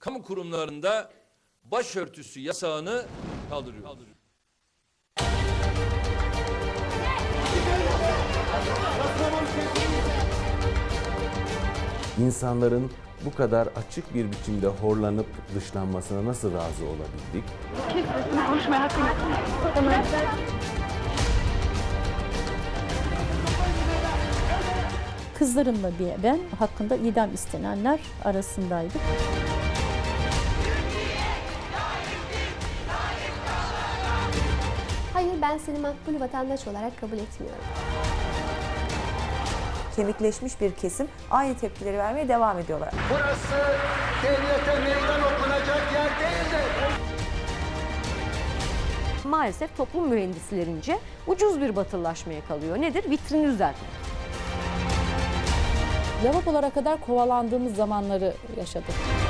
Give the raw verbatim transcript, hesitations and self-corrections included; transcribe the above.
kamu kurumlarında başörtüsü yasağını kaldırıyor. İnsanların bu kadar açık bir biçimde horlanıp dışlanmasına nasıl razı olabildik? Kesin konuşmaya hakkım yok. Kızlarımla bir ben hakkında idam istenenler arasındaydık. Hayır, ben seni makbul vatandaş olarak kabul etmiyorum. Kemikleşmiş bir kesim aynı tepkileri vermeye devam ediyorlar. Burası devlete meydan okunacak yer değildir. Maalesef toplum mühendislerince ucuz bir batılılaşmaya kalıyor. Nedir? Vitrini düzeltmek. Lavabolara kadar kovalandığımız zamanları yaşadık.